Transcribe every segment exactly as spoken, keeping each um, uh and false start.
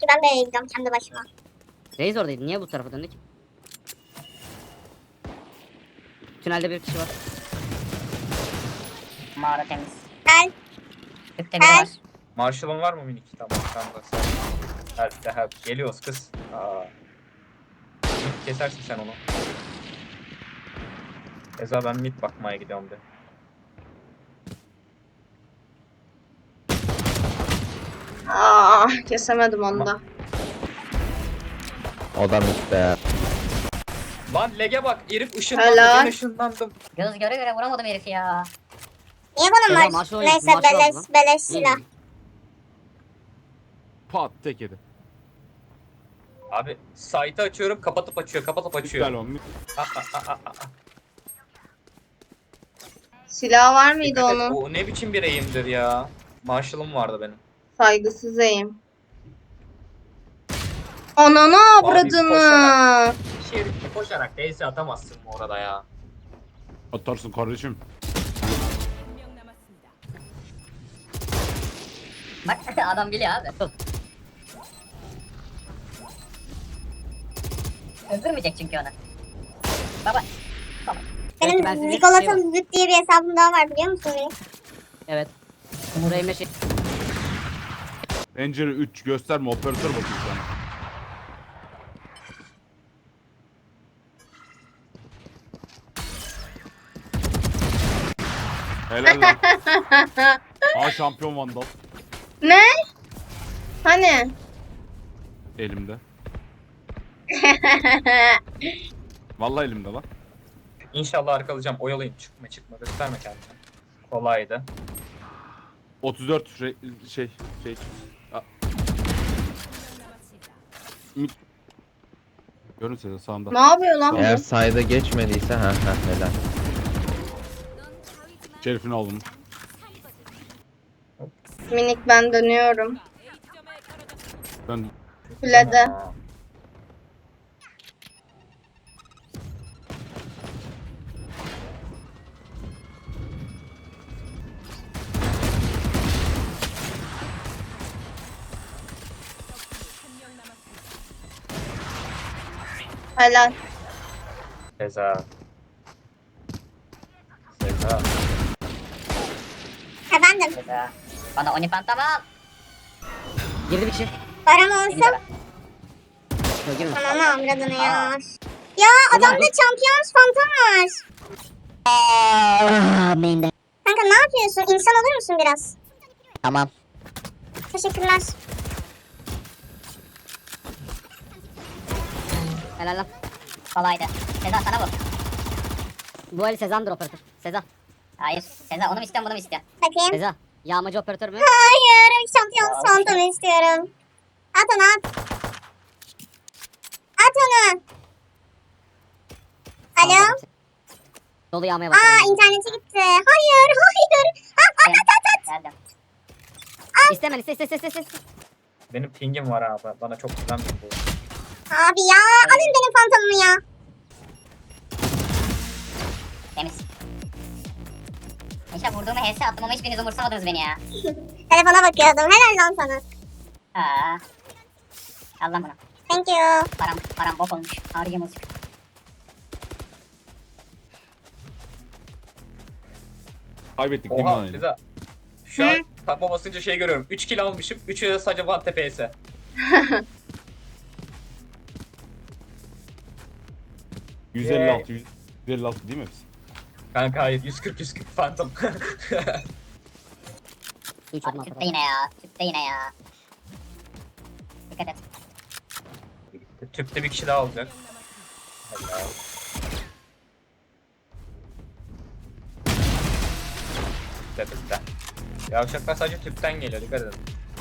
ben B'ye gidiyorum kendi başıma. Reis oradaydı. Niye bu tarafa döndük? Tünelde bir kişi var. Mağara temiz. Gel. Tüpte biri Gel. var. Marshall'ın var mı minik? Tamam tamam da sen. Help de help. Geliyoruz kız. Aa. Mid kesersin sen onu. Eza ben mid bakmaya gidiyorum de. Aa, kesemedim onu da. O da mitte. Lan lege bak. Herif ışınlandı. Helal. Ben ışınlandım. Göz göre göre vuramadım herifi ya. Niye bunun Eza, var? maaşı oynuyor, Neyse maaşı beleş, aldı lan. beleş silah. Pat tek yedi. Abi site'ı açıyorum kapatıp açıyor kapatıp açıyor. İptal olmuş. Aa, aa, aa, aa. Silah var mıydı Dikkat et, onun? o ne biçim bir eğimdir ya. Marshall'ım vardı benim. Saygısız eğim. Ananı avradını. koşarak- Şerifli koşarak değilse atamazsın mı orada ya. Atarsın kardeşim. Bak adam biliyor abi. Öldürmeyecek çünkü onu. Baba. Tamam. Belki ben Benim size Zigolata şey var. Züt diye bir hesabım daha var biliyor musun beni? Evet. Buraya meşe. Pencere üç gösterme operatör bakayım sana. Helal lan. Aa şampiyon vandal Ne? Hani? elimde. Vallahi elimde lan. İnşallah arkalayacağım. Oyalayın. Çıkma çıkma. Gösterme kendini. Kolaydı. otuz dört şey şey şey. Aa. Mid- Görünse de sağımda. Ne yapıyor lan Eğer bu? sayda geçmediyse ha ha helal. Şerifini aldım. Minik ben dönüyorum. Ben Kulede. Aa. Helal. Seza. Seza. Efendim, Güzel. Bana oni pantamal. Girdi bir kişi. param olsun. Yok girme. Ananı avradını ya. Ya adamda Champions Phantom var. Main'de. Kanka ne yapıyorsun? İnsan olur musun biraz? Tamam. Teşekkürler. Helal lan. Kolaydı. Seza sana bu. Bu eli Sezan'dır operatör. Seza. Hayır. Seza onu mu istiyorsun bunu mu istiyorsun? Bakayım. Seza. Yağmacı operatör mü? Hayır, Champions Phantom istiyorum. At onu at. At onu. Alo? Dolu yağmaya Aa başladı. interneti gitti. Hayır, hayır. Ah, at at at at. Geldim. İstemem iste iste iste iste. Benim pingim var abi. Bana çok güzel bir bu. Abi ya, alın benim fantomumu ya. Temiz. İşte vurduğumu H S attım ama hiçbiriniz umursamadınız beni ya. Telefona bakıyordum. Helal lan sana. Aa. Al lan bunu. Thank you. Param, param bok olmuş. Harcım olsun. Kaybettik değil mi Oha lan? Seza. Şu an tapa basınca şey görüyorum. üç kill almışım. üçü de sadece Van T P S. yüz elli altı yüz elli altı değil mi hepsi? Kanka hayır. yüz kırk yüz kırk Phantom. Üç adım Tüpte atladı. yine ya. Tüpte yine ya. Dikkat et. Tüpte bir kişi daha olacak. Helal. Tüpte tüpte. Yavşaklar sadece tüpten geliyor. Dikkat edin.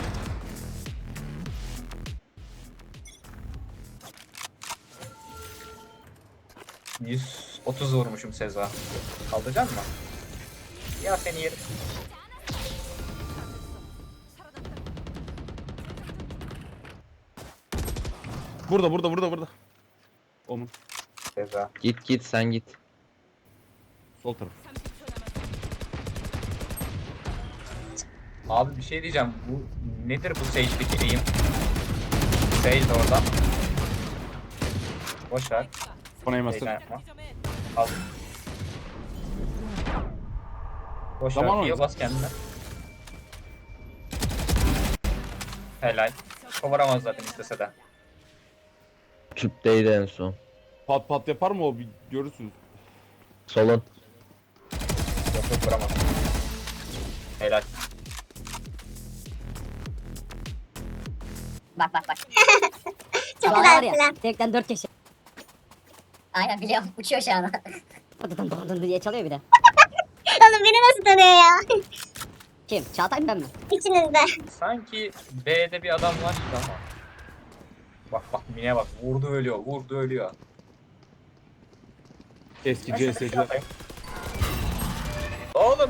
yüz otuz vurmuşum Seza. Kaldıracak mı? Ya seni yerim. Burada burada burada burada. Onun Seza. Git git sen git. sol taraf. Abi bir şey diyeceğim. Bu nedir bu Sage'deki eğim? Değil de orada. Boş ver. Bana yemezsin. Heyecan yapma. Al. Boş Zaman ver. oyunu. Heal bas kendine. Helal. Kovaramaz zaten istese de. Tüpteydi en son. Pat pat yapar mı o? Bir görürsünüz. Solun. Yok yok vuramaz. Helal. Bak bak bak. Çok Şu an güzel var ya. plan. Tekten dört kişi. Aynen biliyorum. Uçuyor şu an. Dın dın dın dın diye çalıyor bir de. Oğlum beni nasıl tanıyor ya? Kim? Çağatay mı ben mi? İçinizde. Sanki B'de bir adam var gibi ama. Bak bak Mine bak. Vurdu ölüyor. Vurdu ölüyor. Eski Ben C şöyle bir şey S'ciler. yapayım. Oğlum.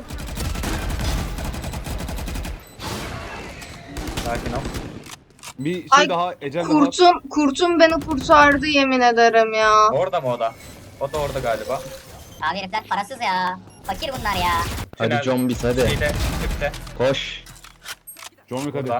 Sakin ol. Bir şey Ay, daha, ecel daha. Kurtum, kurtum beni kurtardı yemin ederim ya. Orada mı o da? O da orada galiba. Abi herifler parasız ya. Fakir bunlar ya. Hadi Tünelde. zombies hadi. Şeyde, tüpte. Koş. John Wick hadi. Burada.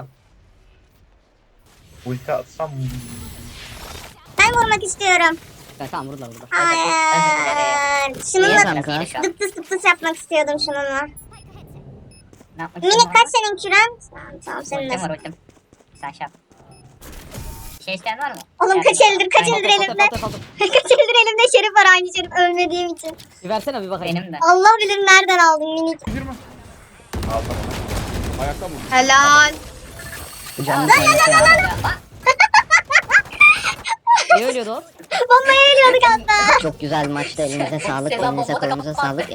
Ulti atsam. Ben vurmak istiyorum. Evet, tamam vurdular vurdular. Hayır. Niye Şununla kanka? Şu an. dıptıs dıptıs yapmak istiyordum şununla. Ne yapmak Minik istiyorum kaç senin küren? Tamam, tamam senin Ultim de. var ultim. Sen şey yap. Bir şey isteyen var mı? Oğlum Yani- kaç eldir kaç Aynen. eldir Foto, elimde. foto, foto. Kaç eldir elimde şerif var aynı şerif ölmediğim için. Bir versene bir bakayım. Benim de. Allah bilir nereden aldım minik. Girme. Aldım. Ayakta mı? Helal. Canım Bak. Niye ölüyordu o? Bombaya ölüyorduk hatta. Çok güzel maçtı. Elinize sağlık. Selam, Elinize bomba da kolunuza kapattı. sağlık.